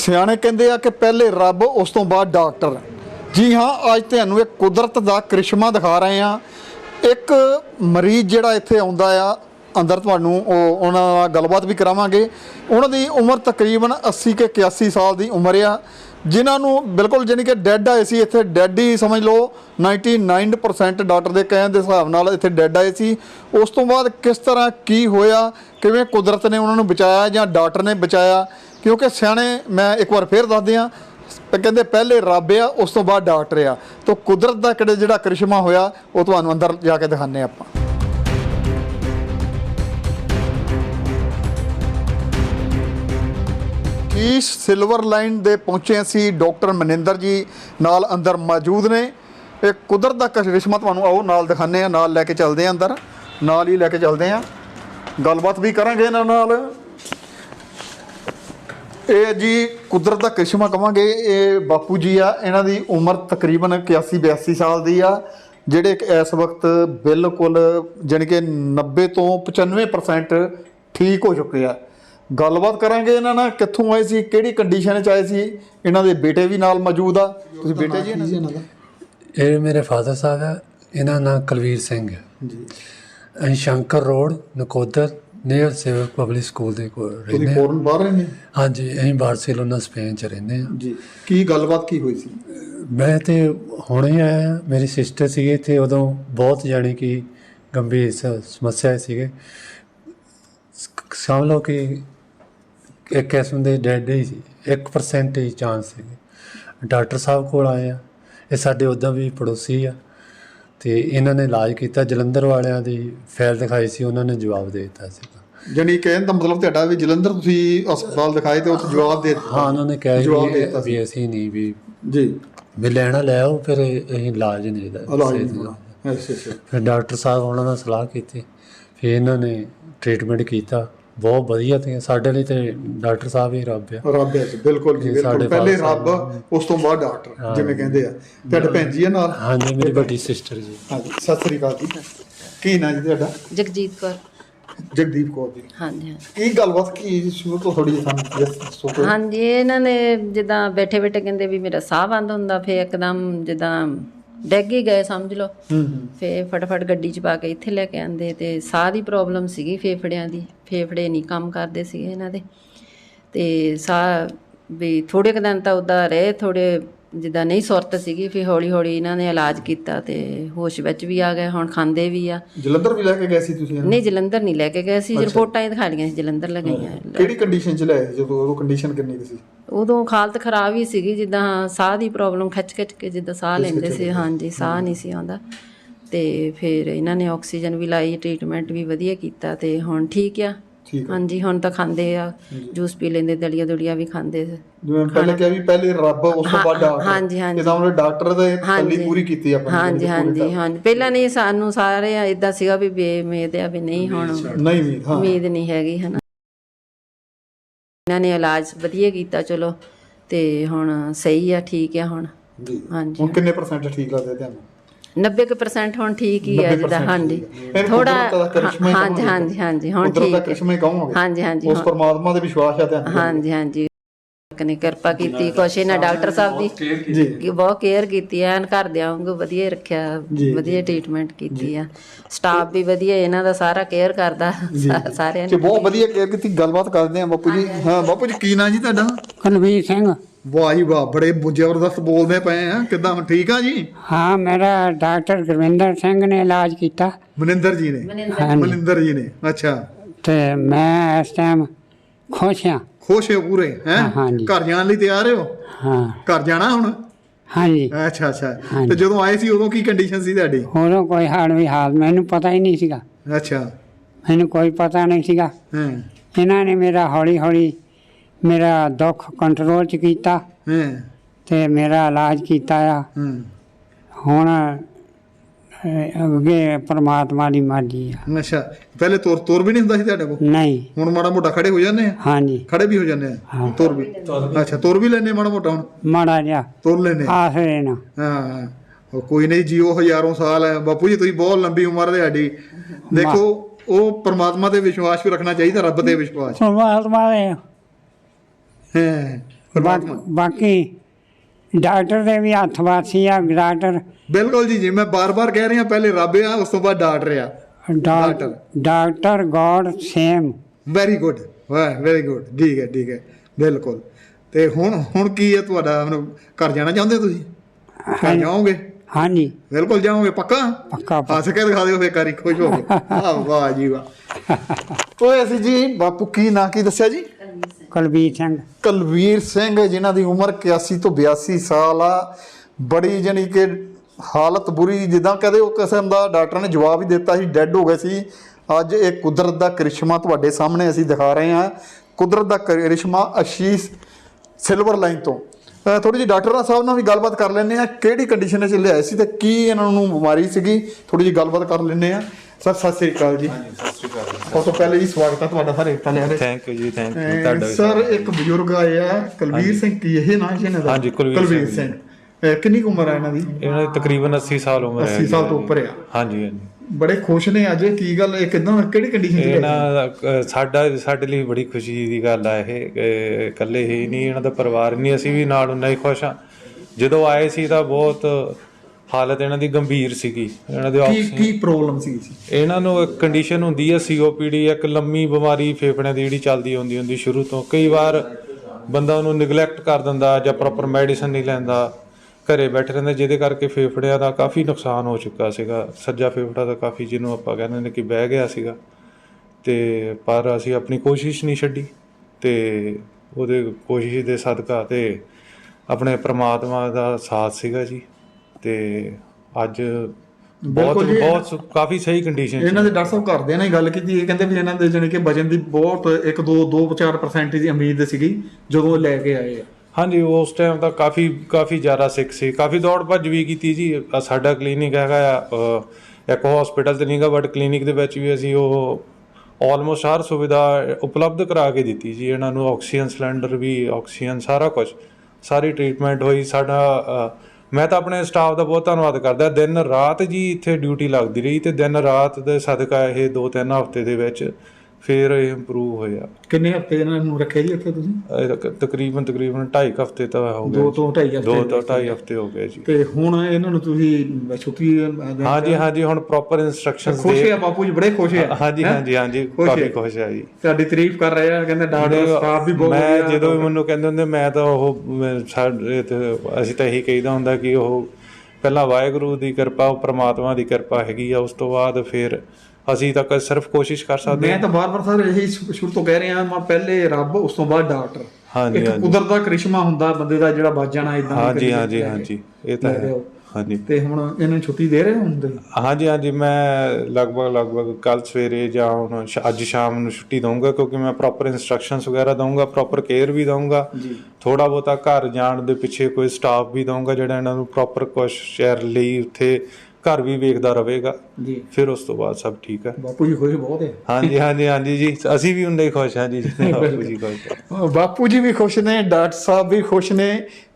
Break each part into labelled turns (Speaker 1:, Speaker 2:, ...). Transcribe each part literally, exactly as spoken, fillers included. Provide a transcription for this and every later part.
Speaker 1: ਸਿਆਣੇ ਕਹਿੰਦੇ ਆ ਕਿ ਪਹਿਲੇ ਰੱਬ ਉਸ ਤੋਂ ਬਾਅਦ ਡਾਕਟਰ। ਜੀ ਹਾਂ, ਅੱਜ ਤੁਹਾਨੂੰ ਇੱਕ ਕੁਦਰਤ ਦਾ ਕ੍ਰਿਸ਼ਮਾ ਦਿਖਾ ਰਹੇ ਹਾਂ। ਇੱਕ ਮਰੀਜ਼ ਜਿਹੜਾ ਇੱਥੇ ਆਉਂਦਾ ਆ ਅੰਦਰ, ਤੁਹਾਨੂੰ ਉਹ ਉਹਨਾਂ ਨਾਲ ਗੱਲਬਾਤ ਵੀ ਕਰਾਵਾਂਗੇ। ਉਹਨਾਂ ਦੀ ਉਮਰ ਤਕਰੀਬਨ ਅੱਸੀ ਕੇ ਇਕਿਆਸੀ ਸਾਲ ਦੀ ਉਮਰ ਆ, ਜਿਨ੍ਹਾਂ ਨੂੰ ਬਿਲਕੁਲ ਜਾਣੀ ਕਿ ਡੈੱਡ ਆਏ ਸੀ। ਇੱਥੇ ਡੈੱਡ ਹੀ ਸਮਝ ਲਓ, ਨਾਈਨਟੀ ਨਾਈਨ ਪਰਸੈਂਟ ਡਾਕਟਰ ਦੇ ਕਹਿਣ ਦੇ ਹਿਸਾਬ ਨਾਲ ਇੱਥੇ ਡੈੱਡ ਆਏ ਸੀ। ਉਸ ਤੋਂ ਬਾਅਦ ਕਿਸ ਤਰ੍ਹਾਂ ਕੀ ਹੋਇਆ, ਕਿਵੇਂ ਕੁਦਰਤ ਨੇ ਉਹਨਾਂ ਨੂੰ ਬਚਾਇਆ ਜਾਂ ਡਾਕਟਰ ਨੇ ਬਚਾਇਆ, ਕਿਉਂਕਿ ਸਿਆਣੇ ਮੈਂ ਇੱਕ ਵਾਰ ਫੇਰ ਦੱਸਦੇ ਹਾਂ, ਕਹਿੰਦੇ ਪਹਿਲੇ ਰੱਬ ਆ ਉਸ ਤੋਂ ਬਾਅਦ ਡਾਕਟਰ ਆ। ਤਾਂ ਕੁਦਰਤ ਦਾ ਕਿਹੜੇ ਜਿਹੜਾ ਕ੍ਰਿਸ਼ਮਾ ਹੋਇਆ ਉਹ ਤੁਹਾਨੂੰ ਅੰਦਰ ਜਾ ਕੇ ਦਿਖਾਉਂਦੇ ਆਪਾਂ। ਕੀ ਸਿਲਵਰ ਲਾਈਨ ਦੇ ਪਹੁੰਚੇ ਅਸੀਂ, ਡਾਕਟਰ ਮਨਿੰਦਰ ਜੀ ਨਾਲ ਅੰਦਰ ਮੌਜੂਦ ਨੇ। ਇਹ ਕੁਦਰਤ ਦਾ ਕ੍ਰਿਸ਼ਮਾ ਤੁਹਾਨੂੰ ਆਓ ਨਾਲ ਦਿਖਾਉਂਦੇ ਆ, ਨਾਲ ਲੈ ਕੇ ਚੱਲਦੇ ਆ ਅੰਦਰ, ਨਾਲ ਹੀ ਲੈ ਕੇ ਚੱਲਦੇ ਆ, ਗੱਲਬਾਤ ਵੀ ਕਰਾਂਗੇ ਇਹਨਾਂ ਨਾਲ। ਇਹ ਜੀ ਕੁਦਰਤ ਦਾ ਕ੍ਰਿਸ਼ਮਾ ਕਹਾਂਗੇ। ਇਹ ਬਾਪੂ ਜੀ ਆ, ਇਹਨਾਂ ਦੀ ਉਮਰ ਤਕਰੀਬਨ ਇਕਿਆਸੀ ਬਿਆਸੀ ਸਾਲ ਦੀ ਆ, ਜਿਹੜੇ ਇਸ ਵਕਤ ਬਿਲਕੁਲ ਜਾਣੀ ਕਿ ਨੱਬੇ ਤੋਂ ਪਚਾਨਵੇਂ ਪਰਸੈਂਟ ਠੀਕ ਹੋ ਚੁੱਕੇ ਆ। ਗੱਲਬਾਤ ਕਰਾਂਗੇ ਇਹਨਾਂ ਨਾਲ, ਕਿੱਥੋਂ ਆਏ ਸੀ, ਕਿਹੜੀ ਕੰਡੀਸ਼ਨ 'ਚ ਆਏ ਸੀ। ਇਹਨਾਂ ਦੇ ਬੇਟੇ ਵੀ ਨਾਲ ਮੌਜੂਦ ਆ। ਤੁਸੀਂ ਬੇਟੇ ਜੀ ਇਹਨਾਂ ਦਾ?
Speaker 2: ਇਹ ਮੇਰੇ ਫਾਦਰ ਸਾਹਿਬ ਆ, ਇਹਨਾਂ ਦਾ ਨਾਂ ਕੁਲਵੀਰ ਸਿੰਘ ਹੈ ਜੀ। ਅਸੀਂ Shankar road Nakodar near Sewak public school ਦੇ ਕੋਲ ਰਹਿੰਦੇ ਹਾਂ।
Speaker 1: ਫੋਰਨ ਬਾਹਰ ਰਹਿੰਦੇ?
Speaker 2: ਹਾਂਜੀ, ਅਸੀਂ ਬਾਰਸੀਲੋਨਾ ਸਪੇਨ 'ਚ ਰਹਿੰਦੇ ਹਾਂ
Speaker 1: ਜੀ। ਕੀ ਗੱਲਬਾਤ ਕੀ ਹੋਈ ਸੀ?
Speaker 2: ਮੈਂ ਤੇ ਹੁਣੇ ਹੀ ਆਇਆ, ਮੇਰੀ ਸਿਸਟਰ ਸੀਗੇ ਇੱਥੇ, ਉਦੋਂ ਬਹੁਤ ਜਾਣੀ ਕਿ ਗੰਭੀਰ ਸਮੱਸਿਆ ਸੀਗੇ। ਸਮਝ ਲਓ ਕਿ ਇੱਕ ਕਿਸਮ ਦੇ ਡੈਡ ਹੀ ਸੀ, ਇੱਕ ਪਰਸੈਂਟ ਹੀ ਚਾਂਸ ਸੀਗੇ। ਡਾਕਟਰ ਸਾਹਿਬ ਕੋਲ ਆਏ ਆ, ਇਹ ਸਾਡੇ ਉੱਦਾਂ ਵੀ ਪੜੋਸੀ ਆ, ਅਤੇ ਇਹਨਾਂ ਨੇ ਇਲਾਜ ਕੀਤਾ। ਜਲੰਧਰ ਵਾਲਿਆਂ ਦੀ ਫਾਈਲ ਦਿਖਾਈ ਸੀ, ਉਹਨਾਂ ਨੇ ਜਵਾਬ ਦੇ ਦਿੱਤਾ ਸੀਗਾ।
Speaker 1: ਜਾਣੀ ਕਹਿਣ ਦਾ ਮਤਲਬ ਤੁਹਾਡਾ ਵੀ ਜਲੰਧਰ ਤੁਸੀਂ ਹਸਪਤਾਲ ਦਿਖਾਏ ਤੇ ਉੱਥੇ ਜਵਾਬ ਦੇ ਦਿੱਤਾ?
Speaker 2: ਹਾਂ, ਉਹਨਾਂ ਨੇ ਕਿਹਾ ਸੀ ਵੀ ਅਸੀਂ ਨਹੀਂ ਵੀ
Speaker 1: ਜੀ
Speaker 2: ਵੀ ਲੈਣਾ ਲੈ ਆਓ, ਫਿਰ ਅਸੀਂ ਇਲਾਜ ਨਹੀਂ ਦਾ। ਫਿਰ ਡਾਕਟਰ ਸਾਹਿਬ ਉਹਨਾਂ ਨਾਲ ਸਲਾਹ ਕੀਤੀ, ਫਿਰ ਇਹਨਾਂ ਨੇ ਟ੍ਰੀਟਮੈਂਟ ਕੀਤਾ। ਬਹੁਤ ਵਧੀਆ ਤੇ ਸਾਡੇ ਲਈ ਤੇ ਡਾਕਟਰ ਸਾਹਿਬ ਹੀ ਰੱਬ ਆ।
Speaker 1: ਰੱਬ ਹੈ ਜੀ, ਬਿਲਕੁਲ ਜੀ, ਬਿਲਕੁਲ। ਪਹਿਲੇ ਰੱਬ, ਉਸ ਤੋਂ ਬਾਅਦ ਡਾਕਟਰ, ਜਿਵੇਂ ਕਹਿੰਦੇ ਆ। ਤੁਹਾਡੇ ਭੈਣ ਜੀ ਆ ਨਾਲ?
Speaker 2: ਹਾਂਜੀ, ਮੇਰੀ ਵੱਡੀ ਸਿਸਟਰ ਜੀ।
Speaker 1: ਹਾਂਜੀ, ਸਤਿ ਸ੍ਰੀ ਅਕਾਲ ਜੀ। ਕੀ ਨਾਂ ਜੀ ਤੁਹਾਡਾ?
Speaker 3: ਜਗਜੀਤ ਕੌਰ।
Speaker 1: ਜਗਦੀਪ ਕੌਰ ਜੀ।
Speaker 3: ਹਾਂਜੀ ਹਾਂਜੀ।
Speaker 1: ਕੀ ਗੱਲਬਾਤ ਕੀ ਸ਼ੁਰੂ ਤੋਂ ਥੋੜੀ ਸਾਨੂੰ ਦੱਸੋ।
Speaker 3: ਹਾਂਜੀ, ਇਹਨਾਂ ਨੇ ਜਿੱਦਾਂ ਬੈਠੇ ਬੈਠੇ ਕਹਿੰਦੇ ਵੀ ਮੇਰਾ ਸਾਹ ਬੰਦ ਹੁੰਦਾ, ਫਿਰ ਇੱਕਦਮ ਜਿੱਦਾਂ ਡਿੱਗ ਹੀ ਗਏ ਸਮਝ ਲਓ। ਫਿਰ ਫਟਾਫਟ ਗੱਡੀ 'ਚ ਪਾ ਕੇ ਇੱਥੇ ਲੈ ਕੇ ਆਂਦੇ, ਅਤੇ ਸਾਹ ਦੀ ਪ੍ਰੋਬਲਮ ਸੀਗੀ, ਫੇਫੜਿਆਂ ਦੀ। ਫੇਫੜੇ ਨਹੀਂ ਕੰਮ ਕਰਦੇ ਸੀਗੇ ਇਹਨਾਂ ਦੇ, ਅਤੇ ਸਾਹ ਵੀ ਥੋੜ੍ਹੇ ਕੁ ਦਿਨ ਤਾਂ ਉੱਦਾਂ ਰਹੇ, ਥੋੜ੍ਹੇ ਜਿੱਦਾਂ ਨਹੀਂ ਸੁਰਤ ਸੀਗੀ। ਫਿਰ ਹੌਲੀ ਹੌਲੀ ਇਹਨਾਂ ਨੇ ਇਲਾਜ ਕੀਤਾ ਅਤੇ ਹੋਸ਼ ਵਿੱਚ ਵੀ ਆ ਗਏ, ਹੁਣ ਖਾਂਦੇ ਵੀ ਆ।
Speaker 1: ਜਲੰਧਰ ਵੀ ਲੈ ਕੇ ਗਏ ਸੀ ਤੁਸੀਂ?
Speaker 3: ਨਹੀਂ, ਜਲੰਧਰ ਨਹੀਂ ਲੈ ਕੇ ਗਏ ਸੀ, ਰਿਪੋਰਟਾਂ ਹੀ ਦਿਖਾ ਲਈਆਂ ਸੀ, ਜਲੰਧਰ ਲਗਾਈਆਂ।
Speaker 1: ਕਿਹੜੀ ਕੰਡੀਸ਼ਨ 'ਚ ਲੈ ਜਦੋਂ ਉਦੋਂ ਕੰਡੀਸ਼ਨ ਕਿੰਨੀ ਕੁ ਸੀ?
Speaker 3: ਉਦੋਂ ਹਾਲਤ ਖਰਾਬ ਹੀ ਸੀਗੀ, ਜਿੱਦਾਂ ਸਾਹ ਦੀ ਪ੍ਰੋਬਲਮ, ਖਿੱਚ ਖਿੱਚ ਕੇ ਜਿੱਦਾਂ ਸਾਹ ਲੈਂਦੇ ਸੀ। ਹਾਂਜੀ, ਸਾਹ ਨਹੀਂ ਸੀ ਆਉਂਦਾ। ਅਤੇ ਫਿਰ ਇਹਨਾਂ ਨੇ ਆਕਸੀਜਨ ਵੀ ਲਾਈ, ਟਰੀਟਮੈਂਟ ਵੀ ਵਧੀਆ ਕੀਤਾ, ਅਤੇ ਹੁਣ ਠੀਕ ਆ। ਹਾਂਜੀ, ਹੁਣ ਤਾਂ ਖਾਂਦੇ ਆ, ਜੂਸ ਪੀ ਲੈਂਦੇ, ਦਲੀਆ ਦੁਲੀਆ ਵੀ ਖਾਂਦੇ।
Speaker 1: ਜਿਵੇਂ ਪਹਿਲੇ ਕਿਹਾ ਵੀ ਪਹਿਲੇ ਰੱਬ ਉਸ ਤੋਂ ਬਾਅਦ ਡਾਕਟਰ।
Speaker 3: ਹਾਂਜੀ ਹਾਂਜੀ,
Speaker 1: ਇਹਦਾ ਮਤਲਬ ਡਾਕਟਰ ਦੇ ਤਸੱਲੀ ਪੂਰੀ ਕੀਤੀ ਆਪਾਂ।
Speaker 3: ਹਾਂਜੀ ਹਾਂਜੀ ਹਾਂਜੀ। ਪਹਿਲਾਂ ਨਹੀਂ, ਸਾਨੂੰ ਸਾਰੇ ਇੱਦਾਂ ਸੀਗਾ ਵੀ ਬੇਉਮੀਦ ਆ, ਵੀ ਨਹੀਂ ਹੁਣ
Speaker 1: ਨਹੀਂ
Speaker 3: ਉਮੀਦ ਨਹੀਂ ਹੈਗੀ, ਹੈ ਨਾ। ਇਹਨਾਂ ਨੇ ਇਲਾਜ ਵਧੀਆ ਕੀਤਾ, ਚਲੋ, ਅਤੇ ਹੁਣ ਸਹੀ ਆ, ਠੀਕ ਆ ਹੁਣ। ਹਾਂਜੀ।
Speaker 1: ਹੁਣ ਕਿੰਨੇ ਪਰਸੈਂਟ ਠੀਕ ਲੱਗਦੇ ਤੁਹਾਨੂੰ?
Speaker 3: ਨੱਬੇ ਕੁ ਪਰਸੈਂਟ ਹੁਣ ਠੀਕ ਹੀ ਆ ਜਿੱਦਾਂ। ਹਾਂਜੀ, ਥੋੜਾ। ਹਾਂਜੀ ਹਾਂਜੀ ਹਾਂਜੀ, ਹੁਣ ਠੀਕ ਹੈ। ਹਾਂਜੀ ਹਾਂਜੀ,
Speaker 1: ਉਸ ਪਰਮਾਤਮਾ ਦੇ ਵਿਸ਼ਵਾਸ ਆ ਤੁਹਾਨੂੰ?
Speaker 3: ਹਾਂਜੀ ਹਾਂਜੀ, ਨੇ ਕਿਰਪਾ ਕੀਤੀ। ਕੁਛ ਇਹਨਾਂ ਡਾਕਟਰ ਸਾਹਿਬ ਦੀ ਜੀ ਬਹੁਤ ਕੇਅਰ ਕੀਤੀ ਐ, ਘਰਦਿਆਂ ਵਾਂਗੂ ਵਧੀਆ ਰੱਖਿਆ, ਵਧੀਆ ਟ੍ਰੀਟਮੈਂਟ ਕੀਤੀ ਆ। ਸਟਾਫ ਵੀ ਵਧੀਆ ਇਹਨਾਂ ਦਾ, ਸਾਰਾ ਕੇਅਰ ਕਰਦਾ ਸਾਰਿਆਂ ਨੇ,
Speaker 1: ਬਹੁਤ ਵਧੀਆ ਕੇਅਰ ਕੀਤੀ। ਗੱਲਬਾਤ ਕਰਦੇ ਆ ਬਾਪੂ ਜੀ। ਹਾਂ ਬਾਪੂ ਜੀ, ਕੀ ਨਾਂ ਜੀ ਤੁਹਾਡਾ?
Speaker 4: ਕੁਲਵੀਰ ਸਿੰਘ।
Speaker 1: ਵਾਹ ਜੀ ਵਾਹ, ਬੜੇ ਜ਼ਬਰਦਸਤ ਬੋਲਦੇ ਪਏ ਆ। ਕਿੱਦਾਂ, ਠੀਕ ਆ ਜੀ?
Speaker 4: ਹਾਂ, ਮੇਰਾ ਡਾਕਟਰ ਗੁਰਵਿੰਦਰ ਸਿੰਘ ਨੇ ਇਲਾਜ ਕੀਤਾ।
Speaker 1: ਮਨਿੰਦਰ ਜੀ ਨੇ? ਮਨਿੰਦਰ ਜੀ ਨੇ, ਅੱਛਾ।
Speaker 4: ਤੇ ਮੈਂ ਇਸ ਟਾਈਮ ਖੁਸ਼ ਹਾਂ।
Speaker 1: ਖੁਸ਼ ਹੋ ਪੂਰੇ? ਹੈ ਘਰ ਜਾਣ ਲਈ ਤਿਆਰ ਹੋ?
Speaker 4: ਹਾਂ,
Speaker 1: ਘਰ ਜਾਣਾ ਹੁਣ?
Speaker 4: ਹਾਂਜੀ।
Speaker 1: ਅੱਛਾ ਅੱਛਾ। ਤੇ ਜਦੋਂ ਆਏ ਸੀ ਉਦੋਂ ਕੀ ਕੰਡੀਸ਼ਨ ਸੀ ਤੁਹਾਡੀ?
Speaker 4: ਉਦੋਂ ਕੋਈ ਹਾਲ ਵੀ ਹਾਲ ਮੈਨੂੰ ਪਤਾ ਹੀ ਨਹੀਂ ਸੀਗਾ।
Speaker 1: ਅੱਛਾ,
Speaker 4: ਮੈਨੂੰ ਕੋਈ ਪਤਾ ਨਹੀਂ ਸੀਗਾ। ਇਹਨਾਂ ਨੇ ਮੇਰਾ ਹੌਲੀ ਹੌਲੀ ਮੇਰਾ ਦੁੱਖ ਕੰਟਰੋਲ 'ਚ ਕੀਤਾ ਅਤੇ ਮੇਰਾ ਇਲਾਜ ਕੀਤਾ ਆ। ਹੁਣ ਅੱਗੇ ਪਰਮਾਤਮਾ ਦੀ ਮਰਜ਼ੀ ਆ।
Speaker 1: ਅੱਛਾ, ਪਹਿਲੇ ਤੁਰ ਤੁਰ ਵੀ ਨਹੀਂ ਹੁੰਦਾ ਸੀ ਤੁਹਾਡੇ ਕੋਲ?
Speaker 4: ਨਹੀਂ।
Speaker 1: ਹੁਣ ਮਾੜਾ ਮੋਟਾ ਖੜੇ ਹੋ ਜਾਂਦੇ ਆ? ਹਾਂਜੀ, ਖੜੇ ਵੀ ਹੋ ਜਾਂਦੇ ਆ, ਤੁਰ ਵੀ? ਅੱਛਾ, ਤੁਰ ਵੀ ਲੈਂਦੇ ਮਾੜਾ ਮੋਟਾ? ਹੁਣ ਮਾੜਾ ਜਿਹਾ ਤੁਰ ਲੈਂਦੇ ਆਸਰੇ ਨਾਲ। ਹਾਂ, ਕੋਈ ਨਹੀਂ, ਜੀਓ ਹਜ਼ਾਰੋਂ ਸਾਲ ਹੈ ਬਾਪੂ ਜੀ, ਤੁਸੀਂ ਬਹੁਤ ਲੰਬੀ ਉਮਰ ਦੇ ਸਾਡੀ। ਦੇਖੋ, ਉਹ ਪਰਮਾਤਮਾ ਤੇ ਵਿਸ਼ਵਾਸ ਵੀ ਰੱਖਣਾ ਚਾਹੀਦਾ, ਰੱਬ ਤੇ ਵਿਸ਼ਵਾਸ।
Speaker 4: ਪਰਮਾਤਮਾ ਦੇ
Speaker 1: ਪਰਮਾਤਮਾ
Speaker 4: ਬਾਕੀ ਡਾਕਟਰ ਦੇ ਵੀ ਹੱਥ ਵਾਸੀ ਆ। ਡਾਕਟਰ
Speaker 1: ਬਿਲਕੁਲ ਜੀ ਜੀ ਮੈਂ ਬਾਰ-ਬਾਰ ਕਹਿ ਰਿਹਾ ਪਹਿਲੇ ਰੱਬ ਆ ਉਸ ਤੋਂ ਬਾਅਦ ਡਾਕਟਰ ਆ।
Speaker 4: Doctor doctor god same.
Speaker 1: Very good ਵਾਹ ਵੈਰੀ ਗੁੱਡ ਠੀਕ ਹੈ ਠੀਕ ਹੈ ਬਿਲਕੁਲ। ਤੇ ਹੁਣ ਹੁਣ ਕੀ ਹੈ ਤੁਹਾਡਾ ਹੁਣ ਘਰ ਜਾਣਾ ਚਾਹੁੰਦੇ ਤੁਸੀਂ? ਘਰ ਜਾਓਗੇ?
Speaker 4: ਹਾਂਜੀ
Speaker 1: ਬਿਲਕੁਲ ਜਾਓਗੇ ਪੱਕਾ?
Speaker 4: ਪੱਕਾ
Speaker 1: ਹੱਸ ਕੇ ਦਿਖਾ ਦਿਓ ਫੇਰ ਕਾਰੀ ਖੁਸ਼ ਹੋ ਕੇ। ਆਹ ਵਾਹ ਜੀ ਵਾਹ। ਓਏ ਅਸੀਂ ਜੀ ਬਾਪੂ ਕੀ ਨਾਂ ਕੀ ਦੱਸਿਆ ਜੀ?
Speaker 4: ਕੁਲਬੀਰ ਸਿੰਘ।
Speaker 1: ਕੁਲਵੀਰ ਸਿੰਘ ਜਿਨ੍ਹਾਂ ਦੀ ਉਮਰ ਇਕਿਆਸੀ ਤੋਂ ਬਿਆਸੀ ਸਾਲ ਆ। ਬੜੀ ਜਾਣੀ ਕਿ ਹਾਲਤ ਬੁਰੀ, ਜਿੱਦਾਂ ਕਹਦੇ ਉਹ ਕਿਸਮ ਦਾ ਡਾਕਟਰ ਨੇ ਜਵਾਬ ਹੀ ਦਿੱਤਾ ਸੀ, ਡੈੱਡ ਹੋ ਗਏ ਸੀ। ਅੱਜ ਇਹ ਕੁਦਰਤ ਦਾ ਕਰਿਸ਼ਮਾ ਤੁਹਾਡੇ ਸਾਹਮਣੇ ਅਸੀਂ ਦਿਖਾ ਰਹੇ ਹਾਂ। ਕੁਦਰਤ ਦਾ ਕਰਿਸ਼ਮਾ ਆਸ਼ੀਸ਼ ਸਿਲਵਰ ਲਾਈਨ ਤੋਂ। ਥੋੜੀ ਜਿਹੀ ਡਾਕਟਰ ਸਾਹਿਬ ਨਾਲ ਵੀ ਗੱਲਬਾਤ ਕਰ ਲੈਂਦੇ ਆ, ਕਿਹੜੀ ਕੰਡੀਸ਼ਨ 'ਚ ਲਿਆਏ ਸੀ ਤੇ ਕੀ ਇਹਨਾਂ ਨੂੰ ਬਿਮਾਰੀ ਸੀਗੀ, ਥੋੜੀ ਜਿਹੀ ਗੱਲਬਾਤ ਕਰ ਲੈਂਦੇ ਆ। ਸਰ ਸਤਿ ਸ੍ਰੀ ਅਕਾਲ ਜੀ।
Speaker 5: ਸਤਿ ਸ਼੍ਰੀ ਅਕਾਲ ਜੀ।
Speaker 1: ਸਭ ਤੋਂ ਪਹਿਲੇ ਜੀ ਸਵਾਗਤ ਹੈ ਤੁਹਾਡਾ ਸਰ ਏਕਤਾ ਲਿਆ।
Speaker 5: Thank you ji, thank you ਤੁਹਾਡਾ ਵੀ।
Speaker 1: ਸਰ ਇੱਕ ਬਜ਼ੁਰਗ ਆਏ ਆ ਕੁਲਵੀਰ ਸਿੰਘ, ਕੀ ਇਹ ਨਾਂ ਜੀ ਇਹਨਾਂ ਦਾ?
Speaker 5: ਹਾਂਜੀ, ਕੁਲਵੀਰ ਸਿੰਘ।
Speaker 1: ਸਿੰਘ ਕਿੰਨੀ ਕੁ ਉਮਰ ਆ ਇਹਨਾਂ ਦੀ?
Speaker 5: ਇਹਨਾਂ ਦੀ ਤਕਰੀਬਨ ਅੱਸੀ ਸਾਲ ਉਮਰ ਹੈ।
Speaker 1: ਅੱਸੀ ਸਾਲ ਤੋਂ ਉੱਪਰ ਆ।
Speaker 5: ਹਾਂਜੀ ਹਾਂਜੀ।
Speaker 1: ਬੜੇ ਖੁਸ਼ ਨੇ ਅੱਜ, ਕੀ ਗੱਲ ਇਹ ਕਿਦਾਂ ਕਿਹੜੀ ਕੰਡੀਸ਼ਨ 'ਚ ਲਿਆਏ ਸੀ?
Speaker 5: ਇਹਨਾਂ ਦਾ ਅ, ਸਾਡਾ ਸਾਡੇ ਲਈ ਬੜੀ ਖੁਸ਼ੀ ਦੀ ਗੱਲ ਆ ਇਹ। ਅ, ਇਕੱਲੇ ਹੀ ਨਹੀਂ, ਇਹਨਾਂ ਦਾ ਪਰਿਵਾਰ ਨਹੀਂ, ਅਸੀਂ ਵੀ ਨਾਲ ਉਨਾ ਹੀ ਖੁਸ਼ ਹਾਂ। ਜਦੋਂ ਆਏ ਸੀ ਤਾਂ ਬਹੁਤ ਹਾਲਤ ਇਹਨਾਂ ਦੀ ਗੰਭੀਰ ਸੀਗੀ। ਇਹਨਾਂ ਦੇ
Speaker 1: ਕੀ ਕੀ ਪ੍ਰੋਬਲਮ ਸੀ?
Speaker 5: ਇਹਨਾਂ ਨੂੰ ਇੱਕ ਕੰਡੀਸ਼ਨ ਹੁੰਦੀ ਹੈ ਸੀਓਪੀਡੀ, ਇੱਕ ਲੰਮੀ ਬਿਮਾਰੀ ਫੇਫੜਿਆਂ ਦੀ ਜਿਹੜੀ ਚੱਲਦੀ ਹੁੰਦੀ ਹੁੰਦੀ ਸ਼ੁਰੂ ਤੋਂ। ਕਈ ਵਾਰ ਬੰਦਾ ਉਹਨੂੰ ਨਿਗਲੈਕਟ ਕਰ ਦਿੰਦਾ ਜਾਂ ਪ੍ਰੋਪਰ ਮੈਡੀਸਨ ਨਹੀਂ ਲੈਂਦਾ, ਘਰੇ ਬੈਠੇ ਰਹਿੰਦੇ, ਜਿਹਦੇ ਕਰਕੇ ਫੇਫੜਿਆਂ ਦਾ ਕਾਫੀ ਨੁਕਸਾਨ ਹੋ ਚੁੱਕਾ ਸੀਗਾ। ਸੱਜਾ ਫੇਫੜਾ ਤਾਂ ਕਾਫੀ, ਜਿਹਨੂੰ ਆਪਾਂ ਕਹਿੰਦੇ ਨੇ ਕਿ ਬਹਿ ਗਿਆ ਸੀਗਾ। ਤੇ ਪਰ ਅਸੀਂ ਆਪਣੀ ਕੋਸ਼ਿਸ਼ ਨਹੀਂ ਛੱਡੀ ਤੇ ਉਹਦੇ ਕੋਸ਼ਿਸ਼ ਦੇ ਸਦਕਾ ਤੇ ਆਪਣੇ ਪ੍ਰਮਾਤਮਾ ਦਾ ਸਾਥ ਸੀਗਾ ਜੀ। ਤੇ ਅੱਜ ਬਹੁਤ ਬਹੁਤ ਕਾਫੀ ਸਹੀ ਕੰਡੀਸ਼ਨ।
Speaker 1: ਇਹਨਾਂ ਦੇ ਡਾਕਟਰ ਸਾਹਿਬ ਘਰਦਿਆਂ ਨੇ ਗੱਲ ਕੀਤੀ, ਇਹ ਕਹਿੰਦੇ ਵੀ ਇਹਨਾਂ ਦੇ ਜਾਣੀ ਕਿ ਵਜਨ ਦੀ ਬਹੁਤ ਇੱਕ ਦੋ ਦੋ ਚਾਰ ਪਰਸੈਂਟ ਦੀ ਉਮੀਦ ਸੀਗੀ ਜਦੋਂ ਲੈ ਕੇ ਆਏ ਆ।
Speaker 5: ਹਾਂਜੀ, ਉਸ ਟਾਈਮ ਤਾਂ ਕਾਫੀ ਕਾਫੀ ਜ਼ਿਆਦਾ ਸਿੱਖ ਸੀ, ਕਾਫੀ ਦੌੜ ਭੱਜ ਵੀ ਕੀਤੀ ਜੀ। ਸਾਡਾ ਕਲੀਨਿਕ ਹੈਗਾ ਆ, ਇੱਕ ਹਸਪੀਟਲ ਤੇ ਨਹੀਂ ਗਾ ਬਟ ਕਲੀਨਿਕ ਦੇ ਵਿੱਚ ਵੀ ਅਸੀਂ ਉਹ ਆਲਮੋਸਟ ਹਰ ਸੁਵਿਧਾ ਉਪਲਬਧ ਕਰਾ ਕੇ ਦਿੱਤੀ ਜੀ ਇਹਨਾਂ ਨੂੰ। ਆਕਸੀਜਨ ਸਿਲੰਡਰ ਵੀ, ਆਕਸੀਜਨ ਸਾਰਾ ਕੁਝ, ਸਾਰੀ ਟਰੀਟਮੈਂਟ ਹੋਈ। ਸਾਡਾ ਮੈਂ ਤਾਂ ਆਪਣੇ ਸਟਾਫ ਦਾ ਬਹੁਤ ਧੰਨਵਾਦ ਕਰਦਾ। ਦਿਨ ਰਾਤ ਜੀ ਇੱਥੇ ਡਿਊਟੀ ਲੱਗਦੀ ਰਹੀ ਤੇ ਦਿਨ ਰਾਤ ਦੇ ਸਦਕਾ ਇਹ ਦੋ ਤਿੰਨ ਹਫ਼ਤੇ ਦੇ ਵਿੱਚ ਫਿਰ ਇਹ ਇੰਪਰੂਵ ਹੋਇਆ।
Speaker 1: ਕਿੰਨੇ ਹਫ਼ਤੇ ਇਹਨਾਂ ਨੂੰ ਰੱਖਿਆ ਜੀ ਇੱਥੇ ਤੁਸੀਂ?
Speaker 5: ਤਕਰੀਬਨ ਤਕਰੀਬਨ ਢਾਈ ਹਫ਼ਤੇ ਤਾਂ ਹੋ ਗਏ।
Speaker 1: ਦੋ ਤੋਂ ਢਾਈ ਹਫ਼ਤੇ
Speaker 5: ਦੋ ਤੋਂ ਢਾਈ ਹਫ਼ਤੇ ਹੋ ਗਏ ਜੀ।
Speaker 1: ਤੇ ਹੁਣ ਇਹਨਾਂ ਨੂੰ ਤੁਸੀਂ ਛੁੱਟੀ?
Speaker 5: ਹਾਂਜੀ ਹਾਂਜੀ, ਹੁਣ ਪ੍ਰੋਪਰ ਇੰਸਟਰਕਸ਼ਨਸ
Speaker 1: ਖੁਸ਼ ਆ ਬਾਪੂ ਜੀ, ਬੜੇ ਖੁਸ਼ ਆ।
Speaker 5: ਹਾਂਜੀ ਹਾਂਜੀ ਹਾਂਜੀ, ਕਾਫੀ ਖੁਸ਼ ਆ ਜੀ।
Speaker 1: ਤੁਹਾਡੀ ਤਾਰੀਫ ਕਰ ਰਹੇ ਆ, ਕਹਿੰਦੇ ਡਾਕਟਰ ਸਟਾਫ ਵੀ ਬਹੁਤ ਵਧੀਆ।
Speaker 5: ਮੈਂ ਜਦੋਂ ਵੀ ਮੈਨੂੰ ਕਹਿੰਦੇ ਹੁੰਦੇ, ਮੈਂ ਤਾਂ ਉਹ ਸਾਡੇ ਅਸੀਂ ਤਾਂ ਇਹੀ ਕਹੀਦਾ ਹੁੰਦਾ ਕਿ ਉਹ ਪਹਿਲਾਂ ਵਾਹਿਗੁਰੂ ਦੀ ਕਿਰਪਾ, ਉਹ ਪ੍ਰਮਾਤਮਾ ਦੀ ਕਿਰਪਾ ਹੈਗੀ ਆ, ਉਸ ਤੋਂ ਬਾਅਦ ਫਿਰ ਅਸੀਂ ਤਾਂ ਸਿਰਫ ਕੋਸ਼ਿਸ਼ ਕਰ ਸਕਦੇ ਹਾਂ।
Speaker 1: ਮੈਂ ਤਾਂ ਬਾਰ-ਬਾਰ ਸਰ ਇਹੀ ਸ਼ੁਰੂ ਤੋਂ ਕਹਿ ਰਿਹਾ, ਮੈਂ ਪਹਿਲੇ ਰੱਬ ਉਸ ਤੋਂ ਬਾਅਦ ਡਾਕਟਰ।
Speaker 5: ਹਾਂਜੀ
Speaker 1: ਇੱਕ ਕੁਦਰਤ ਦਾ ਕਰਿਸ਼ਮਾ ਹੁੰਦਾ ਬੰਦੇ ਦਾ ਜਿਹੜਾ ਵੱਜ ਜਾਣਾ ਇਦਾਂ।
Speaker 5: ਹਾਂਜੀ ਹਾਂਜੀ ਹਾਂਜੀ, ਇਹ ਤਾਂ ਹੈ। ਹਾਂਜੀ,
Speaker 1: ਤੇ ਹੁਣ ਇਹਨਾਂ ਨੂੰ ਛੁੱਟੀ ਦੇ ਰਹੇ ਹੁੰਦੇ?
Speaker 5: ਹਾਂਜੀ ਹਾਂਜੀ, ਮੈਂ ਲਗਭਗ ਲਗਭਗ ਕੱਲ ਸਵੇਰੇ ਜਾਂ ਹੁਣ ਅੱਜ ਸ਼ਾਮ ਨੂੰ ਛੁੱਟੀ ਦਊਂਗਾ, ਕਿਉਂਕਿ ਮੈਂ ਪ੍ਰੋਪਰ ਇੰਸਟਰਕਸ਼ਨਸ ਵਗੈਰਾ ਦਊਂਗਾ, ਪ੍ਰੋਪਰ ਕੇਅਰ ਵੀ ਦਊਂਗਾ। ਥੋੜਾ ਬਹੁਤਾ ਘਰ ਜਾਣ ਦੇ ਪਿੱਛੇ ਕੋਈ ਸਟਾਫ ਵੀ ਦਊਂਗਾ ਜਿਹੜਾ ਇਹਨਾਂ ਨੂੰ ਪ੍ਰੋਪਰ ਕੁਛ ਸ਼ਹਿਰ ਲਈ ਉੱਥੇ ਘਰ ਵੀ ਵੇਖਦਾ ਰਹੇਗਾ ਜੀ। ਫਿਰ ਉਸ ਤੋਂ ਬਾਅਦ ਸਭ ਠੀਕ ਹੈ। ਬਾਪੂ ਜੀ ਖੁਸ਼ ਬਹੁਤ ਹੈ। ਹਾਂਜੀ ਹਾਂਜੀ ਹਾਂਜੀ ਜੀ, ਅਸੀਂ ਵੀ ਹੁੰਦੇ ਖੁਸ਼ ਹਾਂ ਜੀ। ਬਾਪੂ ਜੀ ਖੁਸ਼,
Speaker 1: ਬਾਪੂ ਜੀ ਵੀ ਖੁਸ਼ ਨੇ, ਡਾਕਟਰ ਸਾਹਿਬ ਵੀ ਖੁਸ਼ ਨੇ।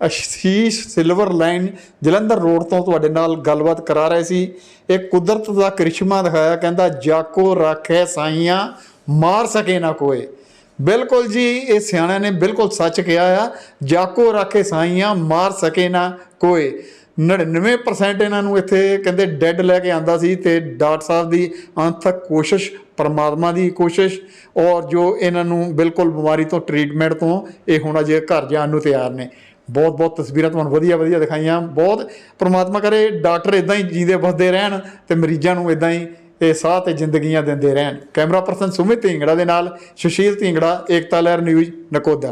Speaker 1: Ashish silver line Jalandhar road ਤੋਂ ਤੁਹਾਡੇ ਨਾਲ ਗੱਲਬਾਤ ਕਰਾ ਰਹੇ ਸੀ। ਇਹ ਕੁਦਰਤ ਦਾ ਕਰਿਸ਼ਮਾ ਦਿਖਾਇਆ, ਕਹਿੰਦਾ ਜਾਕੋ ਰੱਖੇ ਸਾਈਆਂ ਮਾਰ ਸਕੇ ਨਾ ਕੋਏ। ਬਿਲਕੁਲ ਜੀ, ਇਹ ਸਿਆਣਿਆਂ ਨੇ ਬਿਲਕੁਲ ਸੱਚ ਕਿਹਾ ਆ, ਜਾਕੋ ਰੱਖੇ ਸਾਈਆਂ ਮਾਰ ਸਕੇ ਨਾ ਕੋਏ। ਨੜਿਨਵੇਂ ਪਰਸੈਂਟ ਇਹਨਾਂ ਨੂੰ ਇੱਥੇ ਕਹਿੰਦੇ ਡੈੱਡ ਲੈ ਕੇ ਆਉਂਦਾ ਸੀ ਤੇ ਡਾਕਟਰ ਸਾਹਿਬ ਦੀ ਅੰਤਕ ਕੋਸ਼ਿਸ਼, ਪਰਮਾਤਮਾ ਦੀ ਕੋਸ਼ਿਸ਼, ਔਰ ਜੋ ਇਹਨਾਂ ਨੂੰ ਬਿਲਕੁਲ ਬਿਮਾਰੀ ਤੋਂ ਟਰੀਟਮੈਂਟ ਤੋਂ ਇਹ ਹੁਣ ਅਜੇ ਘਰ ਜਾਣ ਨੂੰ ਤਿਆਰ ਨੇ। ਬਹੁਤ ਬਹੁਤ ਤਸਵੀਰਾਂ ਤੁਹਾਨੂੰ ਵਧੀਆ ਵਧੀਆ ਦਿਖਾਈਆਂ। ਬਹੁਤ ਪਰਮਾਤਮਾ ਕਰੇ ਡਾਕਟਰ ਇੱਦਾਂ ਹੀ ਜੀਂਦੇ ਵਸਦੇ ਰਹਿਣ ਤੇ ਮਰੀਜ਼ਾਂ ਨੂੰ ਇੱਦਾਂ ਹੀ ਇਹ ਸਾਹ ਤੇ ਜ਼ਿੰਦਗੀਆਂ ਦਿੰਦੇ ਰਹਿਣ। ਕੈਮਰਾ ਪਰਸਨ ਸੁਮਿਤ ਢਿੰਗੜਾ ਦੇ ਨਾਲ ਸੁਸ਼ੀਲ ਢਿੰਗੜਾ, ਏਕਤਾ ਲਹਿਰ ਨਿਊਜ਼, ਨਕੋਦਰ।